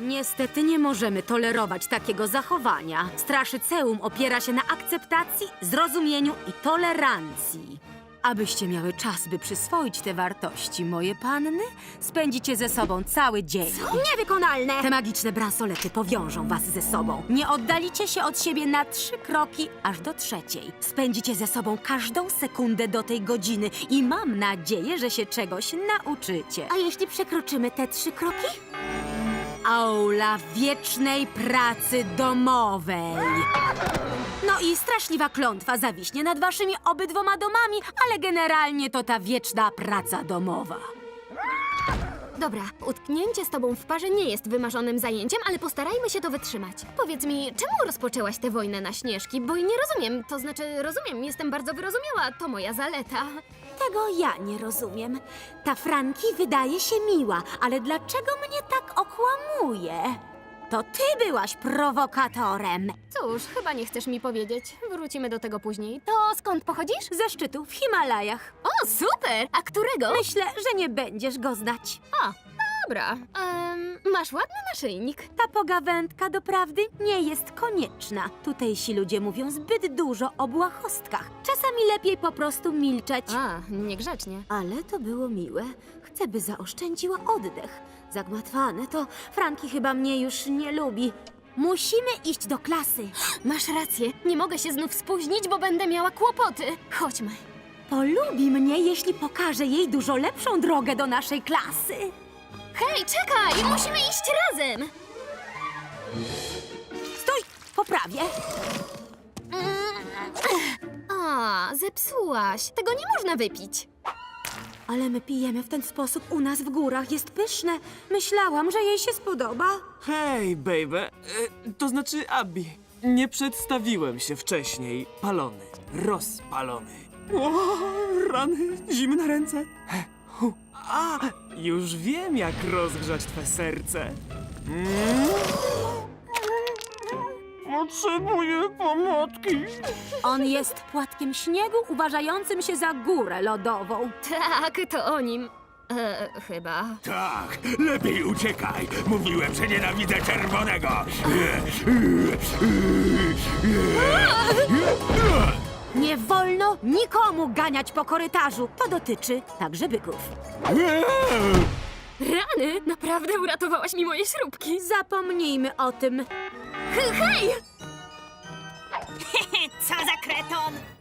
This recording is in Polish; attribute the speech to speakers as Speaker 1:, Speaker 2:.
Speaker 1: Niestety nie możemy tolerować takiego zachowania. Straszyceum opiera się na akceptacji, zrozumieniu i tolerancji. Abyście miały czas, by przyswoić te wartości, moje panny, spędzicie ze sobą cały dzień.
Speaker 2: Niewykonalne!
Speaker 1: Te magiczne bransolety powiążą was ze sobą. Nie oddalicie się od siebie na 3 kroki, aż do 3. Spędzicie ze sobą każdą sekundę do tej godziny i mam nadzieję, że się czegoś nauczycie.
Speaker 2: A jeśli przekroczymy te 3 kroki?
Speaker 1: Aula wiecznej pracy domowej. No i straszliwa klątwa zawiśnie nad waszymi obydwoma domami, ale generalnie to ta wieczna praca domowa.
Speaker 2: Dobra, utknięcie z tobą w parze nie jest wymarzonym zajęciem, ale postarajmy się to wytrzymać. Powiedz mi, czemu rozpoczęłaś tę wojnę na Śnieżki? Bo nie rozumiem, to znaczy rozumiem, jestem bardzo wyrozumiała, to moja zaleta.
Speaker 1: Tego ja nie rozumiem. Ta Franki wydaje się miła, ale dlaczego mnie tak okłamuje? To ty byłaś prowokatorem.
Speaker 2: Cóż, chyba nie chcesz mi powiedzieć. Wrócimy do tego później. To skąd pochodzisz?
Speaker 1: Ze szczytu w Himalajach.
Speaker 2: O, super! A którego?
Speaker 1: Myślę, że nie będziesz go znać.
Speaker 2: A, dobra. Masz ładny naszyjnik.
Speaker 1: Ta pogawędka doprawdy nie jest konieczna. Tutejsi ludzie mówią zbyt dużo o błahostkach. Czasami lepiej po prostu milczeć.
Speaker 2: A, niegrzecznie.
Speaker 1: Ale to było miłe. Chcę, by zaoszczędziła oddech. Zagmatwane to Franki chyba mnie już nie lubi. Musimy iść do klasy.
Speaker 2: Masz rację, nie mogę się znów spóźnić, bo będę miała kłopoty. Chodźmy.
Speaker 1: Polubi mnie, jeśli pokażę jej dużo lepszą drogę do naszej klasy.
Speaker 2: Hej, czekaj! Musimy iść razem!
Speaker 1: Stój! Poprawię.
Speaker 2: A, zepsułaś. Tego nie można wypić.
Speaker 1: Ale my pijemy w ten sposób u nas w górach. Jest pyszne. Myślałam, że jej się spodoba.
Speaker 3: Hej, baby. To znaczy Abby. Nie przedstawiłem się wcześniej. Palony. Rozpalony. O, rany. Zimne ręce. A, już wiem, jak rozgrzać twe serce. Potrzebuję pomocy.
Speaker 1: On jest płatkiem śniegu uważającym się za górę lodową.
Speaker 2: Tak, to o nim. Chyba.
Speaker 4: Tak, lepiej uciekaj. Mówiłem, że nienawidzę czerwonego.
Speaker 1: Nie wolno nikomu ganiać po korytarzu. To dotyczy także byków.
Speaker 2: Rany! Naprawdę uratowałaś mi moje śrubki.
Speaker 1: Zapomnijmy o tym.
Speaker 2: Hej!
Speaker 5: Co za kreton!